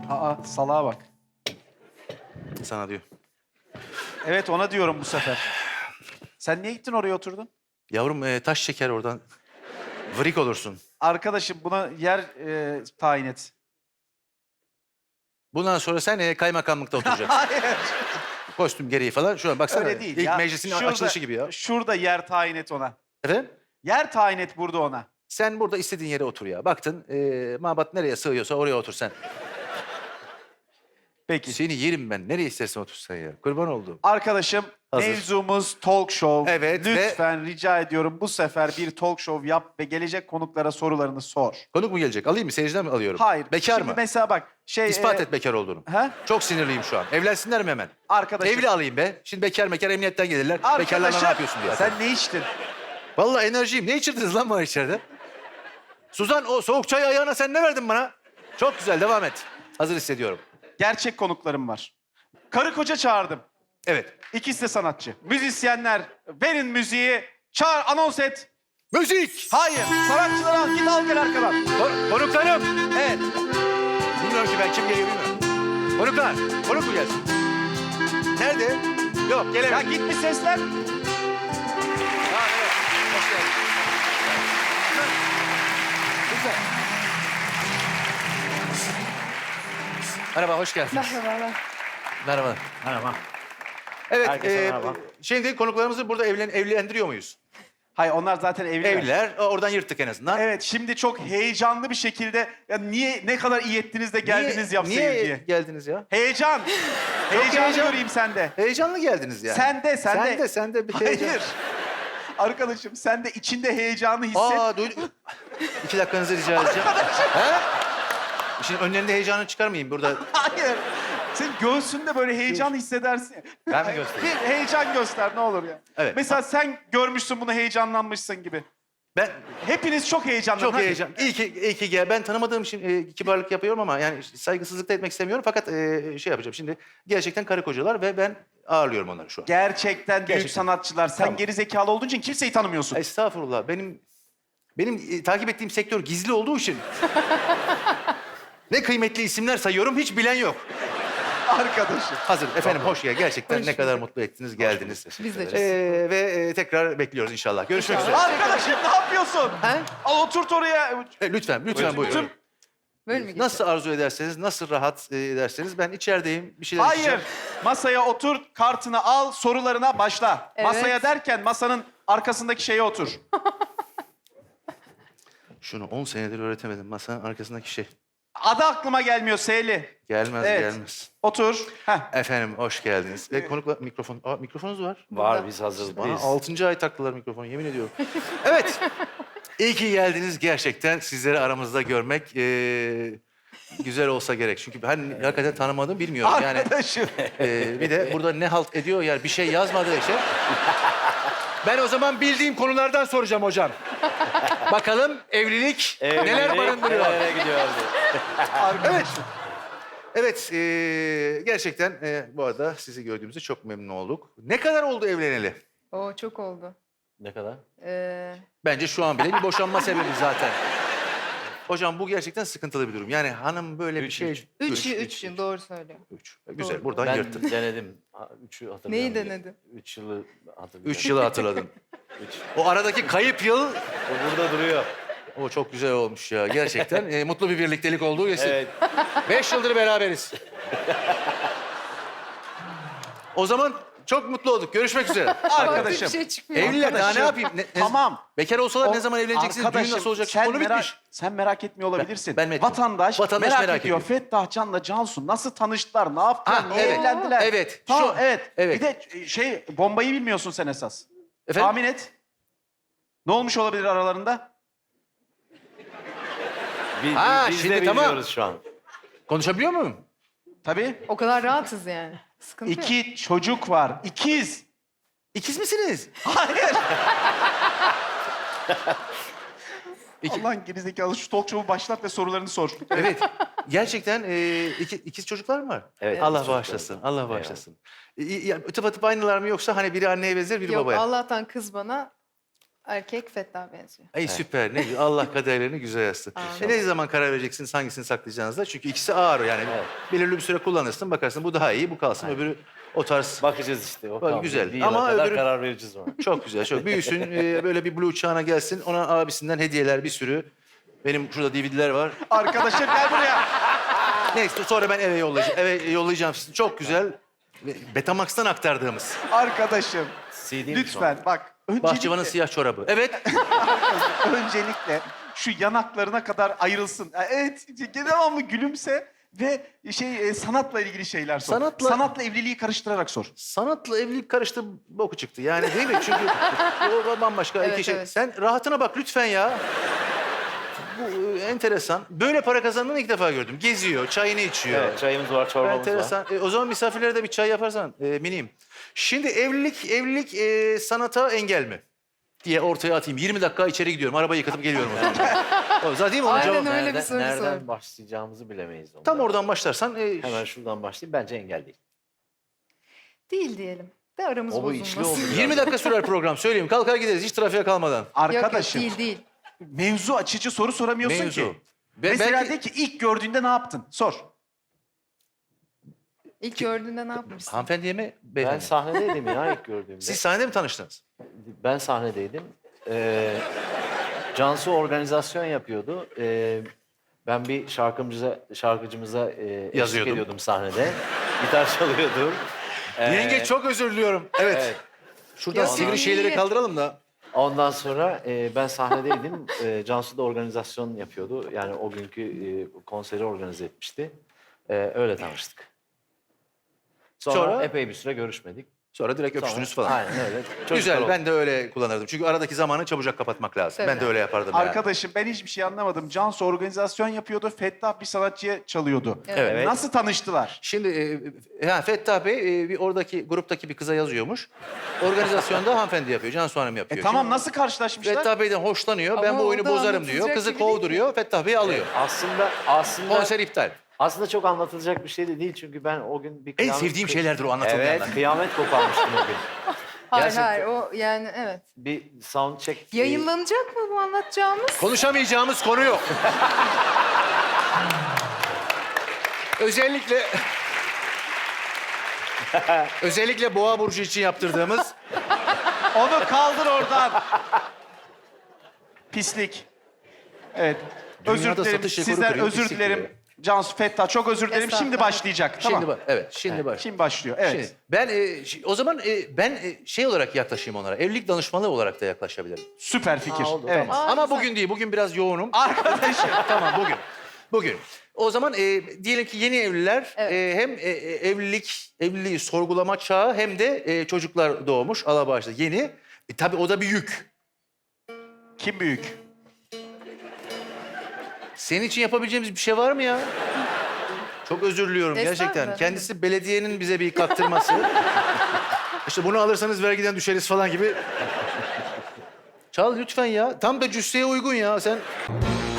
Aa, salağa bak. Sana diyor. Evet, ona diyorum bu sefer. Sen niye gittin oraya oturdun? Yavrum taş çeker oradan. Vrik olursun. Arkadaşım buna yer tayin et. Bundan sonra sen kaymakamlıkta oturacaksın. Hayır. Kostüm gereği falan. Şuna baksana. Öyle değil İlk ya. meclisin Şurada- açılışı gibi ya. Şurada yer tayin et ona. Efendim? Yer tayin et burada ona. Sen burada istediğin yere otur ya. Baktın mabat nereye sığıyorsa oraya otur sen. Peki. Seni yerim ben. Nereye istersen otursan ya. Kurban olduğum. Arkadaşım, Hazır. mevzumuz talk show. Evet, Lütfen rica ediyorum bu sefer bir talk show yap ve gelecek konuklara sorularını sor. Konuk mu gelecek? Alayım mı? Seyirciden mi alıyorum? Hayır. Bekar Şimdi mı? mesela bak İspat et bekar olduğunu. He? Çok sinirliyim şu an. Evlensinler mi hemen? Arkadaşım. Evli alayım be. Şimdi bekar emniyetten gelirler. Bekarlarla ne yapıyorsun diye. Sen ne içtin? Vallahi enerjiyim. Ne içirdiniz lan bana içeride? Suzan o soğuk çay ayağına sen ne verdin bana? Çok güzel devam et. Hazır hissediyorum. Gerçek konuklarım var. Karı koca çağırdım. Evet. İkisi de sanatçı. Müzisyenler, verin müziği. Çağır, anons et. Müzik! Hayır, sanatçıları al, git al gel arkadan. Konuklarım! Evet. Bilmiyorum ki ben kim geliyor bilmiyorum. Konuklar, konuk mu gelsin? Nerede? Yok, Ya gelemem. git bir seslen. Ha, evet. Hoş geldin. Güzel. Merhaba, hoş geldiniz. Merhabalar. Merhaba. Merhaba. Evet, Herkese merhaba. şimdi konuklarımızı burada evlendiriyor muyuz? Hayır, onlar zaten evliler. Evliler, oradan yırttık en azından. Evet, şimdi çok heyecanlı bir şekilde ya niye ne kadar iyi ettiniz de geldiniz yapsayım niye diye. geldiniz ya? Heyecan. Heyecanlı heyecan. göreyim sende. Heyecanlı geldiniz yani. Sen de. Sen de bir heyecan. Hayır. Arkadaşım sen de içinde heyecanı hisset. Aa, duydum. 2 dakikanızı rica edeceğim. He? Şimdi önlerinde heyecanı çıkarmayayım burada. Hayır. Sen göğsünde böyle heyecan hissedersin. Ben mi göstereyim? Bir heyecan göster ne olur ya. Evet. Mesela sen görmüşsün bunu heyecanlanmışsın gibi. Ben Hepiniz çok heyecanlanın. çok hadi. heyecan. İyi ki gel. Ben tanımadığım için kibarlık yapıyorum ama yani saygısızlık da etmek istemiyorum. Fakat şey yapacağım şimdi. Gerçekten karı kocalar ve ben ağırlıyorum onları şu an. Gerçekten büyük Gerçekten. sanatçılar. Sen Tamam. geri zekalı olduğun için kimseyi tanımıyorsun. Estağfurullah. Benim takip ettiğim sektör gizli olduğu için ne kıymetli isimler sayıyorum hiç bilen yok. Arkadaşım. Hazır efendim hoş geldin. Gerçekten Hoş ne kadar bulduk. mutlu ettiniz geldiniz. Biz de çok. Ve tekrar bekliyoruz inşallah. Görüşmek üzere. Arkadaşım ne yapıyorsun? He? Al oturt oraya. Lütfen buyurun. Tüm- Böyle mi geçiyor? Nasıl arzu ederseniz, nasıl rahat ederseniz ben içerideyim. Bir şeyler Hayır. içeceğim. Masaya otur, kartını al, sorularına başla. Evet. Masaya derken masanın arkasındaki şeye otur. Şunu 10 senedir öğretemedim. Masanın arkasındaki şey. Adı aklıma gelmiyor Seyli. Gelmez, Evet. gelmez. Otur. Heh. Efendim hoş geldiniz. Ve konukla mikrofon. Mikrofonunuz var. Var biz hazırız. Bana 6. ay taktılar mikrofonu yemin ediyorum. Evet. İyi ki geldiniz gerçekten. Sizleri aramızda görmek güzel olsa gerek. Çünkü ben hakikaten tanımadım bilmiyorum. Yani Arkadaşım. bir de burada ne halt ediyor yani bir şey yazmadığı şey. Ben o zaman bildiğim konulardan soracağım hocam. Bakalım evlilik neler barındırıyor? Nereye gidiyordu? Evet. Evet, gerçekten bu arada sizi gördüğümüzde çok memnun olduk. Ne kadar oldu evleneli? Oo çok oldu. Ne kadar? Bence şu an bile bir boşanma sebebi zaten. Hocam bu gerçekten sıkıntılı bir durum. Yani hanım böyle bir şey... 3 yıl doğru söylüyor. 3. Güzel, Doğru. buradan Ben yırttık. denedim. 3'ü hatırlıyorum. Neyi denedin? 3 yılı hatırlıyorum. 3 yılı hatırladım. Üç. O aradaki kayıp yıl, O burada duruyor. o çok güzel olmuş ya. Gerçekten mutlu bir birliktelik olduğu kesin. Evet. 5 yıldır beraberiz. O zaman çok mutlu olduk. Görüşmek üzere. Arkadaşım. Bir şey çıkmıyor. Evliler daha ne yapayım? Tamam. Bekar olsalar O- ne zaman evleneceksiniz? Düğün Arkadaşım, nasıl olacak? sen Konu bitmiş. Sen merak etmiyor olabilirsin. Ben mi etmiyorum? Vatandaş, Vatandaş merak, merak ediyor. ediyor. Fettah Can'la Cansu nasıl tanıştılar, ne yaptılar, Ha, niye evet. evlendiler? Evet, Tamam, şu- evet. evet. Bir de bombayı bilmiyorsun sen esas. Efendim? Tahmin et. Ne olmuş olabilir aralarında? Biz şimdi de tamam. bilmiyoruz şu an. Konuşabiliyor muyum? Tabii. O kadar rahatız yani. Sıkıntı yok. 2 çocuk var. İkiz. İkiz misiniz? Hayır. Allah'ın gerizekalı şu talk show'u başlat ve sorularını sor. Evet. Gerçekten ikiz çocuklar mı var? Evet, Allah ikiz bağışlasın. çocuklar var. Allah bağışlasın. Tıpatıp aynılar mı yoksa hani biri anneye benzer biri Yok babaya? Allah'tan kız bana Erkek Fettah benziyor. Ey süper. Ne Allah kaderlerini güzel yazsın. Ne zaman karar vereceksiniz hangisini saklayacağınızda? Çünkü ikisi ağır yani. Evet. Belirli bir süre kullanırsın bakarsın bu daha iyi bu kalsın öbürü o tarz. Bakacağız işte. O Bak, kaldı. güzel. Bir yıla Ama kadar öbürü- karar vereceğiz ona. Çok güzel çok. Büyüsün böyle bir blue çağına gelsin. Ona abisinden hediyeler bir sürü. Benim şurada DVD'ler var. Arkadaşım gel buraya. Neyse sonra ben eve yollayacağım. Eve yollayacağım sizi. Çok güzel. Betamax'tan aktardığımız. Arkadaşım CD mi lütfen bak. Bahçıvanın siyah çorabı. Evet. Öncelikle şu yanaklarına kadar ayrılsın. Evet, devamlı gülümse ve sanatla ilgili şeyler sor. Sanatla- evliliği karıştırarak sor. Sanatla evlilik karıştı boku çıktı. Yani değil mi? Çünkü o bambaşka Evet, iki şey. evet. Sen rahatına bak lütfen ya. Bu enteresan. Böyle para kazandığını ilk defa gördüm. Geziyor, çayını içiyor. Evet, çayımız var, çorbamız var. Enteresan. O zaman misafirlere de bir çay yaparsan miniyim. Şimdi evlilik sanata engel mi? Diye ortaya atayım. 20 dakika içeri gidiyorum. Arabayı yıkatıp geliyorum o zaman. O zaten değil mi? Onun Aynen cevabı. öyle bir soru Nereden sor. başlayacağımızı bilemeyiz. Onda. Tam oradan başlarsan Hemen şuradan başlayayım. Bence engel değil. Değil diyelim. De aramız O bu içli bozulmasın. oldu. 20 dakika sürer program. Söyleyeyim. Kalkar gideriz hiç trafiğe kalmadan. Yok Arkadaşım yok değil. mevzu açıcı soru soramıyorsun Mevzu. ki. Ben Mesela belki- de ki ilk gördüğünde ne yaptın? Sor. İlk gördüğünde ne yapmışsın? Hanımefendiye mi? Ben Beyefendi. sahnedeydim ya ilk gördüğümde. Siz sahnede mi tanıştınız? Ben sahnedeydim. Cansu organizasyon yapıyordu. Ben bir şarkıcımıza eşlik Yazıyordum. ediyordum sahnede. Gitar çalıyordum. Yenge çok özür diliyorum. Evet. Evet. Şuradan Ya, sivri iyi. şeyleri kaldıralım da. Ondan sonra ben sahnedeydim. Cansu da organizasyon yapıyordu. Yani o günkü konseri organize etmişti. Öyle tanıştık. Sonra epey bir süre görüşmedik. Sonra direkt Sonra- öpüştünüz falan. Aynen öyle. Çocuklar Güzel. oldu. Ben de öyle kullanırdım. Çünkü aradaki zamanı çabucak kapatmak lazım. Tabii. Ben de öyle yapardım yani. Arkadaşım ben hiçbir şey anlamadım. Cansu organizasyon yapıyordu. Fettah bir sanatçıya çalıyordu. Evet. Nasıl tanıştılar? Şimdi Fettah Bey bir oradaki gruptaki bir kıza yazıyormuş. Organizasyonda hanımefendi yapıyor. Cansu Hanım yapıyor. Tamam Şimdi nasıl karşılaşmışlar? Fettah Bey'den hoşlanıyor. Ben Ama bu o oyunu da bozarım diyor. anlatılacak Kızı gibi değil kovduruyor. Fettah Bey alıyor. Aslında Konser iptal. çok anlatılacak bir şey de değil çünkü ben o gün bir En kıyamet... sevdiğim şeylerdir o anlatılmayanlar. Evet, kıyamet koparmıştım o gün. Hayır Gerçekten. hayır o yani evet. Bir sound check... Yayınlanacak mı bu anlatacağımız? Konuşamayacağımız konu yok. özellikle Boğa burcu için yaptırdığımız Onu kaldır oradan. Pislik. Evet. Özür Dünyada dilerim. satış rekoru Sizden kırıyor, özür pislik dilerim. diyor. Cansu Fettah çok özür dilerim. Şimdi Estağfurullah. başlayacak. Tamam. Şimdi bak. Şimdi başlıyor. Evet. Şimdi, ben o zaman ben şey olarak yaklaşayım onlara. Evlilik danışmanlığı olarak da yaklaşabilirim. Süper fikir. oldu, Evet. tamam. Ama güzel. bugün değil. Bugün biraz yoğunum. Arkadaşım. Tamam bugün. Bugün. O zaman diyelim ki yeni evliler Evet. hem evliliği sorgulama çağı hem de çocuklar doğmuş. Allah bağışlasın. Yeni. Tabii o da bir yük. Kim büyük? Senin için yapabileceğimiz bir şey var mı ya? Çok özür diliyorum gerçekten. Estağfurullah. Kendisi belediyenin bize bir kaktırması. İşte bunu alırsanız vergiden düşeriz falan gibi. Çal lütfen ya. Tam da cüsseye uygun ya. Sen